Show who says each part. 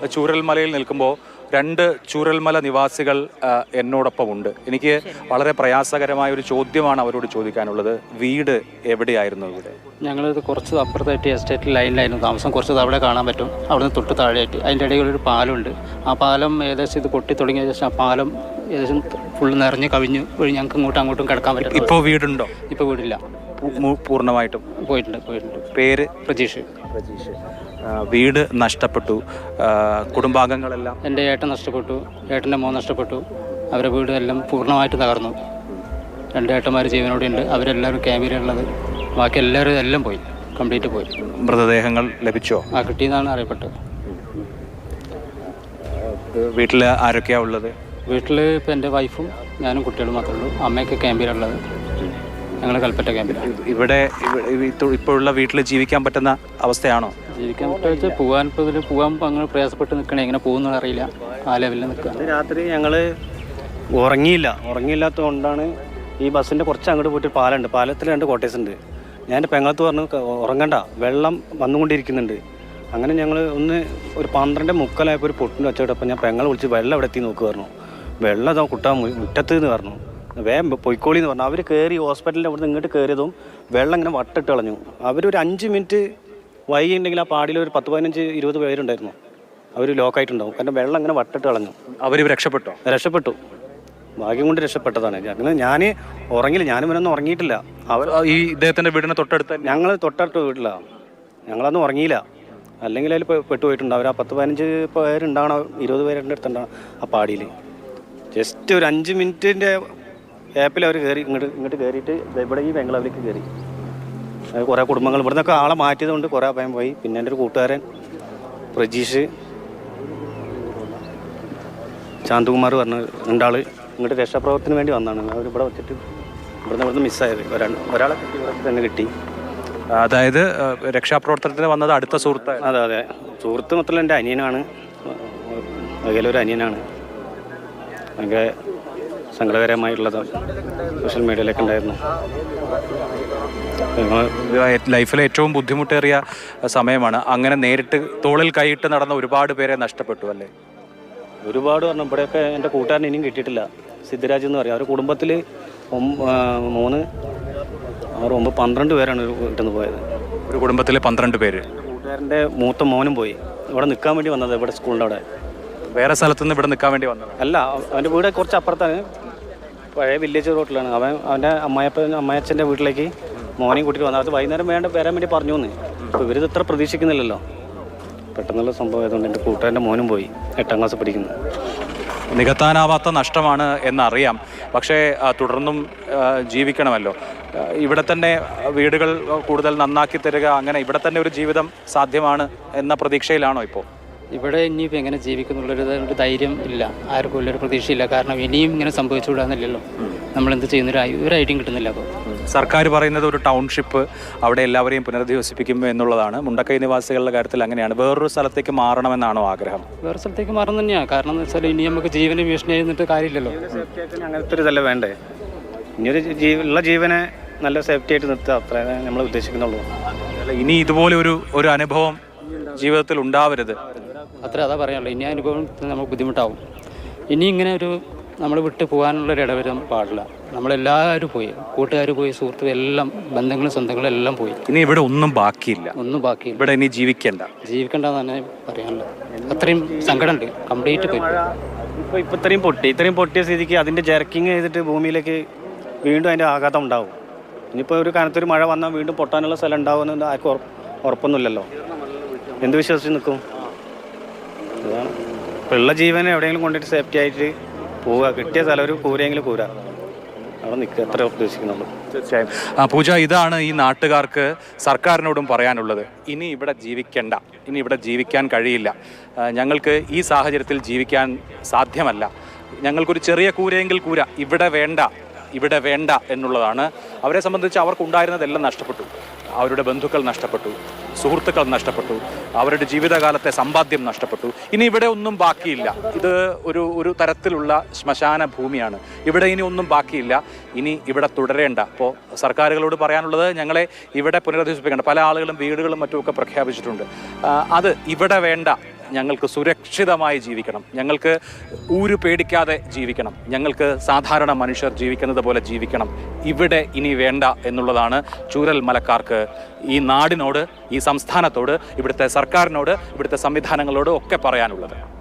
Speaker 1: ചൂരൽമലയിൽ നിൽക്കുമ്പോൾ രണ്ട് ചൂരൽമല നിവാസികൾ എന്നോടൊപ്പം ഉണ്ട്. എനിക്ക് വളരെ പ്രയാസകരമായ ഒരു ചോദ്യമാണ് അവരോട് ചോദിക്കാനുള്ളത്. വീട് എവിടെയായിരുന്നു? ഇവിടെ
Speaker 2: ഞങ്ങളിത് കുറച്ച് അപ്പുറത്തായിട്ട് എസ്റ്റേറ്റ് ലൈനിലായിരുന്നു താമസം. കുറച്ച് അവിടെ കാണാൻ പറ്റും. അവിടെ നിന്ന് തൊട്ട് താഴെയായിട്ട് അതിൻ്റെ ഇടയിൽ ഒരു പാലമുണ്ട്. ആ പാലം ഏകദേശം ഇത് പൊട്ടി തുടങ്ങിയ ശേഷം ആ പാലം ഏകദേശം ഫുള്ള് നിറഞ്ഞ് കവിഞ്ഞ് ഞങ്ങൾക്ക് അങ്ങോട്ടും കിടക്കാൻ പറ്റും.
Speaker 1: ഇപ്പോൾ വീടുണ്ടോ?
Speaker 2: ഇപ്പോൾ വീടില്ല,
Speaker 1: പൂർണ്ണമായിട്ടും
Speaker 2: പോയിട്ടുണ്ട്.
Speaker 1: പേര്?
Speaker 2: പ്രജീഷ്.
Speaker 1: വീട് നഷ്ടപ്പെട്ടു. കുടുംബാംഗങ്ങളെല്ലാം?
Speaker 2: എൻ്റെ ഏട്ടൻ നഷ്ടപ്പെട്ടു, ഏട്ടൻ്റെ മോൻ നഷ്ടപ്പെട്ടു. അവരുടെ വീട് എല്ലാം പൂർണ്ണമായിട്ട് തകർന്നു. 2 ഏട്ടന്മാർ ജീവനോടെ ഉണ്ട്. അവരെല്ലാവരും ക്യാമ്പിലുള്ളത്. ബാക്കി എല്ലാവരും എല്ലാം പോയി, കംപ്ലീറ്റ് പോയി.
Speaker 1: മൃതദേഹങ്ങൾ ലഭിച്ചോ?
Speaker 2: കിട്ടിയെന്നാണ് അറിയപ്പെട്ടത്.
Speaker 1: വീട്ടിൽ ആരൊക്കെയാണ് ഉള്ളത്?
Speaker 2: വീട്ടിൽ ഇപ്പോൾ എൻ്റെ വൈഫും ഞാനും കുട്ടികളും മാത്രമേ ഉള്ളൂ. അമ്മയൊക്കെ ക്യാമ്പിലുള്ളത്. ഞങ്ങൾ കൽപ്പറ്റ ക്യാമ്പിലാണ്.
Speaker 1: ഇവിടെ ഇപ്പോഴുള്ള വീട്ടിൽ ജീവിക്കാൻ പറ്റുന്ന അവസ്ഥയാണോ?
Speaker 2: ജീവിക്കാൻ പറ്റുക പോകാൻ അങ്ങനെ പ്രയാസപ്പെട്ട് നിൽക്കണേ. എങ്ങനെ പോകുന്നത് അറിയില്ല. ആ ലെവലിൽ നിൽക്കുക.
Speaker 3: രാത്രി ഞങ്ങൾ ഉറങ്ങിയില്ലാത്തത് കൊണ്ടാണ് ഈ ബസ്സിൻ്റെ കുറച്ച് അങ്ങോട്ട് പോയിട്ട് പാലമുണ്ട്. പാലത്തിൽ 2 കോട്ടേഴ്സ് ഉണ്ട്. ഞാൻ എൻ്റെ പെങ്ങളത്ത് പറഞ്ഞു ഉറങ്ങണ്ട, വെള്ളം വന്നുകൊണ്ടിരിക്കുന്നുണ്ട്. അങ്ങനെ ഞങ്ങൾ ഒരു 12:45 ഒരു പൊട്ടിന് വെച്ചിട്ടപ്പോൾ ഞാൻ പെങ്ങളെ വിളിച്ച് വെള്ളം എവിടെ എത്തി നോക്ക് പറഞ്ഞു. വെള്ളം ഇതാ കുട്ടാൻ മുറ്റത്ത് എന്ന് പറഞ്ഞു. വേഗം പൊയ്ക്കോളി എന്ന് പറഞ്ഞു. അവർ കയറി ഹോസ്പിറ്റലിൻ്റെ അവിടെ നിന്ന് ഇങ്ങോട്ട് കയറിയതും വെള്ളം ഇങ്ങനെ വട്ടിട്ട് കളഞ്ഞു. അവരൊരു 5 മിനിറ്റ് വൈകിയുണ്ടെങ്കിൽ ആ പാടിയിൽ ഒരു 10-15-20 പേരുണ്ടായിരുന്നു. അവർ ലോക്കായിട്ടുണ്ടാവും. കാരണം വെള്ളം ഇങ്ങനെ വട്ടിട്ട് കളഞ്ഞു.
Speaker 1: അവർ രക്ഷപ്പെട്ടു.
Speaker 3: ഭാഗ്യം കൊണ്ട് രക്ഷപ്പെട്ടതാണ്. അങ്ങനെ ഞാൻ ഉറങ്ങില്ല, ഞാനും ഇവനൊന്നും ഉറങ്ങിയിട്ടില്ല.
Speaker 1: ഈ ഇദ്ദേഹത്തിൻ്റെ വീടിന് തൊട്ടടുത്ത്?
Speaker 3: ഞങ്ങൾ തൊട്ടടുത്ത വീട്ടിലാണ്. ഞങ്ങളൊന്നും ഉറങ്ങിയില്ല. അല്ലെങ്കിൽ അതിൽ പെട്ടുപോയിട്ടുണ്ട്. അവർ ആ 10-15 പേരുണ്ടാവണം, 20 പേരുടെ അടുത്തുണ്ടാവണം ആ പാടിയിൽ. ജസ്റ്റ് ഒരു 5 മിനിറ്റിൻ്റെ ഗ്യാപ്പിൽ അവർ കയറി ഇങ്ങോട്ട് കയറിയിട്ട് ഇവിടെ ഈ ബംഗ്ലാവിലേക്ക് കയറി. കുറേ കുടുംബങ്ങൾ ഇവിടെ നിന്നൊക്കെ ആളെ മാറ്റിയത് കൊണ്ട് കുറേ അഭയം പോയി. പിന്നെ എൻ്റെ ഒരു കൂട്ടുകാരൻ പ്രജീഷ്, ശാന്തകുമാർ പറഞ്ഞ 2 ആൾ ഇങ്ങോട്ട് രക്ഷാപ്രവർത്തനത്തിന് വേണ്ടി വന്നതാണ്. അവരിവിടെ വെച്ചിട്ട് ഇവിടുന്ന് മിസ്സായത്. ഒരാളെ കിട്ടി, ഇവിടെ തന്നെ കിട്ടി.
Speaker 1: അതായത് രക്ഷാപ്രവർത്തനത്തിന് വന്നത് അടുത്ത സുഹൃത്ത്?
Speaker 3: അതെ, സുഹൃത്ത് മൊത്തം എൻ്റെ അനിയനാണ്. അകലൊരു അനിയനാണ്. ഭയങ്കര സങ്കടകരമായിട്ടുള്ളത് സോഷ്യൽ മീഡിയയിലൊക്കെ ഉണ്ടായിരുന്നു.
Speaker 1: ലൈഫിലെ ഏറ്റവും ബുദ്ധിമുട്ടേറിയ സമയമാണ്. അങ്ങനെ നേരിട്ട് തോളിൽ കൈയിട്ട് നടന്ന ഒരുപാട് പേരെ നഷ്ടപ്പെട്ടു അല്ലേ?
Speaker 3: ഒരുപാട് പറഞ്ഞു. ഇവിടെയൊക്കെ എൻ്റെ കൂട്ടുകാരൻ ഇനിയും കിട്ടിയിട്ടില്ല. സിദ്ധരാജ് എന്ന് പറയും. അവരുടെ കുടുംബത്തിൽ 12 പേരാണ് ഒരു വീട്ടിൽ നിന്ന് പോയത്.
Speaker 1: ഒരു കുടുംബത്തിൽ 12 പേര്.
Speaker 3: കൂട്ടുകാരൻ്റെ മൂത്ത മോനും പോയി. ഇവിടെ നിൽക്കാൻ വേണ്ടി വന്നത്, ഇവിടെ സ്കൂളിൻ്റെ അവിടെ.
Speaker 1: വേറെ സ്ഥലത്തുനിന്ന് ഇവിടെ നിൽക്കാൻ വേണ്ടി വന്നത്
Speaker 3: അല്ല, അവൻ്റെ വീട് കുറച്ച് അപ്പുറത്താണ്, പഴയ വില്ലേജ് റോട്ടിലാണ്. അവൻ്റെ അമ്മയച്ഛൻ്റെ വീട്ടിലേക്ക് മോനെയും കൂട്ടിയിട്ട് വന്നത്. അത് വൈകുന്നേരം വരാൻ വേണ്ടി പറഞ്ഞു എന്ന്. അപ്പോൾ ഇവരിത് ഇത്ര പ്രതീക്ഷിക്കുന്നില്ലല്ലോ. പെട്ടെന്നുള്ള സംഭവം ആയതുകൊണ്ട് എൻ്റെ കൂട്ടുകാരൻ്റെ മോനും പോയി, 8ാം ക്ലാസ് പഠിക്കുന്നു.
Speaker 1: നികത്താനാവാത്ത നഷ്ടമാണ് എന്നറിയാം. പക്ഷേ തുടർന്നും ജീവിക്കണമല്ലോ. ഇവിടെ തന്നെ വീടുകൾ കൂടുതൽ നന്നാക്കി തരിക, അങ്ങനെ ഇവിടെ തന്നെ ഒരു ജീവിതം സാധ്യമാണ് എന്ന പ്രതീക്ഷയിലാണോ ഇപ്പോൾ?
Speaker 2: ഇവിടെ ഇനിയിപ്പോൾ എങ്ങനെ ജീവിക്കുന്നുള്ളൊരു ധൈര്യം ഇല്ല, ആർക്കും ഉള്ളൊരു പ്രതീക്ഷയില്ല. കാരണം ഇനിയും ഇങ്ങനെ സംഭവിച്ചുകൂടാന്നില്ലല്ലോ. നമ്മളെന്ത് ചെയ്യുന്ന ഒരു ഐഡിയയും കിട്ടുന്നില്ല. അപ്പോൾ
Speaker 1: സർക്കാർ പറയുന്നത് ഒരു ടൗൺഷിപ്പ്, അവിടെ എല്ലാവരെയും പുനരധിവസിപ്പിക്കും എന്നുള്ളതാണ്. മുണ്ടക്കൈ നിവാസികളുടെ കാര്യത്തിൽ അങ്ങനെയാണ്. വേറൊരു സ്ഥലത്തേക്ക് മാറണമെന്നാണോ ആഗ്രഹം?
Speaker 2: വേറെ സ്ഥലത്തേക്ക് മാറണം തന്നെയാണ്. കാരണം എന്ന് വെച്ചാൽ ഇനി നമുക്ക് ജീവന് ഭീഷണി ആയിരുന്നിട്ട് കാര്യമില്ലല്ലോ.
Speaker 3: അങ്ങനത്തെ ഒരു ഇതല്ല വേണ്ടേ. ഇനിയൊരു ഉള്ള ജീവനെ നല്ല സേഫ്റ്റി ആയിട്ട് നിർത്തുക, അത്രേ നമ്മൾ ഉദ്ദേശിക്കുന്നുള്ളൂ.
Speaker 1: ഇനി ഇതുപോലെ ഒരു അനുഭവം ജീവിതത്തിൽ ഉണ്ടാവരുത്,
Speaker 2: അതാ പറയാനുള്ളൂ. ഇനി അനുഭവം നമുക്ക് ബുദ്ധിമുട്ടാവും. ഇനി ഇങ്ങനെ നമ്മൾ വിട്ട് പോകാനുള്ളൊരു ഇടവരും പാടില്ല. നമ്മളെല്ലാവരും പോയി, കൂട്ടുകാർ പോയി, സുഹൃത്തുക്കൾ എല്ലാം, ബന്ധങ്ങളും സ്വന്തങ്ങളും എല്ലാം പോയി.
Speaker 1: ഇനി ഇവിടെ ഒന്നും ബാക്കിയില്ല. ഇവിടെ ഇനി
Speaker 2: ജീവിക്കണ്ടെന്ന് തന്നെ പറയാനുള്ളത്. അത്രയും സങ്കടമുണ്ട്. കംപ്ലീറ്റ് പോയി.
Speaker 3: ഇപ്പോൾ ഇത്രയും പൊട്ടിയ സ്ഥിതിക്ക് അതിൻ്റെ ജെർക്കിങ് ചെയ്തിട്ട് ഭൂമിയിലേക്ക് വീണ്ടും അതിൻ്റെ ആഘാതം ഉണ്ടാവും. ഇനിയിപ്പോൾ ഒരു കനത്തൊരു മഴ വന്നാൽ വീണ്ടും പൊട്ടാനുള്ള സ്ഥലം ഉണ്ടാവുമെന്ന് ആർക്കും ഉറപ്പൊന്നുമില്ലല്ലോ. എന്ത് വിശ്വസിച്ച് നിൽക്കും? അതാണ്. ഇപ്പോൾ ഉള്ള ജീവനെ എവിടെയെങ്കിലും കൊണ്ടിട്ട് സേഫ്റ്റി ആയിട്ട് പോവുക. കിട്ടിയ സ്ഥലം ഒരു കൂരെങ്കിലും കൂര അവിടെ നിൽക്കുക, എത്ര ഉദ്ദേശിക്കുന്നുള്ളൂ.
Speaker 1: തീർച്ചയായും. പൂജ, ഇതാണ് ഈ നാട്ടുകാർക്ക് സർക്കാരിനോടും പറയാനുള്ളത്. ഇനി ഇവിടെ ജീവിക്കണ്ട, ഇനി ഇവിടെ ജീവിക്കാൻ കഴിയില്ല, ഞങ്ങൾക്ക് ഈ സാഹചര്യത്തിൽ ജീവിക്കാൻ സാധ്യമല്ല, ഞങ്ങൾക്കൊരു ചെറിയ കൂരയെങ്കിൽ കൂര, ഇവിടെ വേണ്ട എന്നുള്ളതാണ്. അവരെ സംബന്ധിച്ച് അവർക്കുണ്ടായിരുന്നതെല്ലാം നഷ്ടപ്പെട്ടു. അവരുടെ ബന്ധുക്കൾ നഷ്ടപ്പെട്ടു, സുഹൃത്തുക്കൾ നഷ്ടപ്പെട്ടു, അവരുടെ ജീവിതകാലത്തെ സമ്പാദ്യം നഷ്ടപ്പെട്ടു. ഇനി ഇവിടെ ഒന്നും ബാക്കിയില്ല. ഇത് ഒരു തരത്തിലുള്ള ശ്മശാന ഭൂമിയാണ്. ഇവിടെ ഇനി ഒന്നും ബാക്കിയില്ല. ഇനി ഇവിടെ തുടരേണ്ട. അപ്പോൾ സർക്കാരുകളോട് പറയാനുള്ളത്, ഞങ്ങളെ ഇവിടെ പുനരധിവസിപ്പിക്കേണ്ട. പല ആളുകളും വീടുകളും മറ്റുമൊക്കെ പ്രഖ്യാപിച്ചിട്ടുണ്ട്. അത് ഇവിടെ വേണ്ട, ഞങ്ങൾക്ക് സുരക്ഷിതമായി ജീവിക്കണം, ഞങ്ങൾക്ക് ഊരു പേടിക്കാതെ ജീവിക്കണം, ഞങ്ങൾക്ക് സാധാരണ മനുഷ്യർ ജീവിക്കുന്നത് പോലെ ജീവിക്കണം, ഇവിടെ ഇനി വേണ്ട എന്നുള്ളതാണ് ചൂരൽ മലക്കാർക്ക് ഈ നാടിനോട്, ഈ സംസ്ഥാനത്തോട്, ഇവിടുത്തെ സർക്കാരിനോട്, ഇവിടുത്തെ സംവിധാനങ്ങളോട് ഒക്കെ പറയാനുള്ളത്.